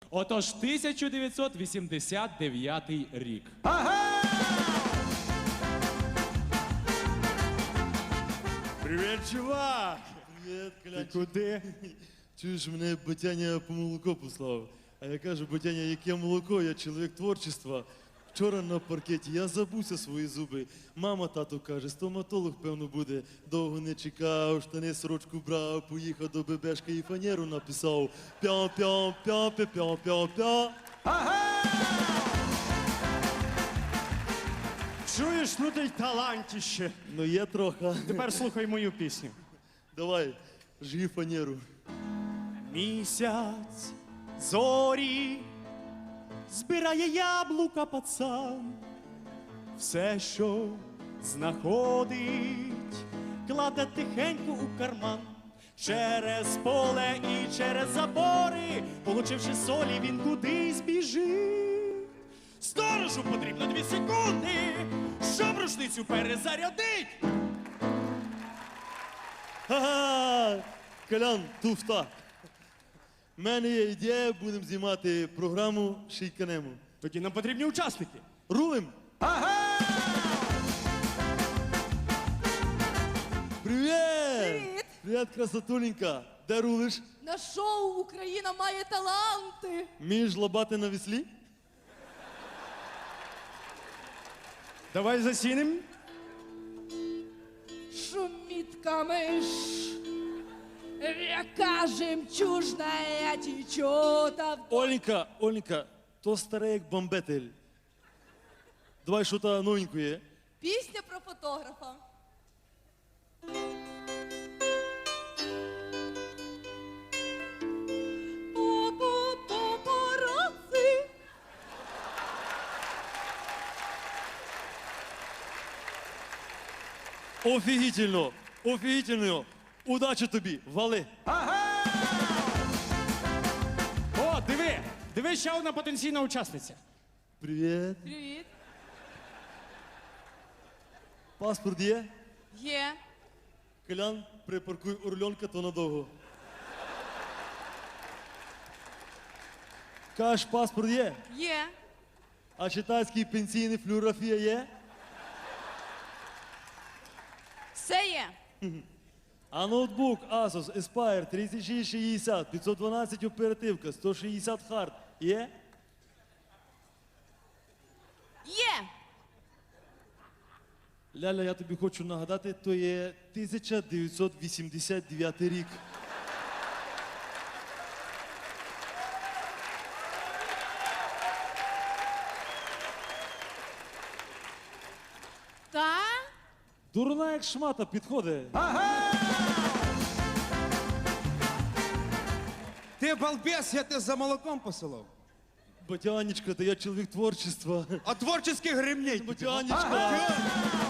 Отож, 1989 рік. Привіт, чувак! Привіт, Ти Клянчик. куди? Чуєш, мене Батяня по молоко послав. А я кажу, Батяня, яке молоко, я чоловік творчества. Вчора на паркеті я забувся свої зуби. Мама, тато каже, стоматолог, певно, буде. Довго не чекав, штани сорочку брав, поїхав до бебешки і фанеру написав. Пя-пя-пя-пя-пя-пя-пя. Чуєш, ну ти й талантіще. Ну є трохи. Тепер слухай мою пісню. Давай, жги фанеру. Місяць, зорі, збирає яблука пацан. Все, що знаходить, кладе тихенько у карман. Через поле і через забори, получивши солі, він кудись біжить. Сторожу потрібно 2 секунди, щоб рушницю перезарядить. Ха-ха! Колян, туфта. У мене є ідея, будемо знімати програму «Шийканемо». Тоді нам потрібні учасники. Рулим! Привіт! Привіт! Привіт, красотуленька! Де рулиш? На шоу «Україна має таланти». Вмієш лабати на веслі? Давай засінем. Шумит камыш, река жемчужная течет. Оленька, Оленька, то старе як бомбетель. Давай що то новенькое. Пісня про фотографа. Папараці. Офігітельно! Офігітельно! Удачі тобі! Вали! О, диви! Диви, ще одна потенційна учасниця. Привіт! Привіт. Паспорт є? Є. Колян, припаркуй Орленка, то надовго. Каш, паспорт є? Є. А читацький пенсійний флюорографія є? Все є. А ноутбук Asus Aspire 3660, 512 оперативка, 160 хард є? Є. Ляля, я тобі хочу нагадати, то є 1989 рік. Та? Дурна як шмата підходить. Ти балбес, я тебе за молоком посилав. Батянечка, та я чоловік творчества. А творчих гремней. Батянечка.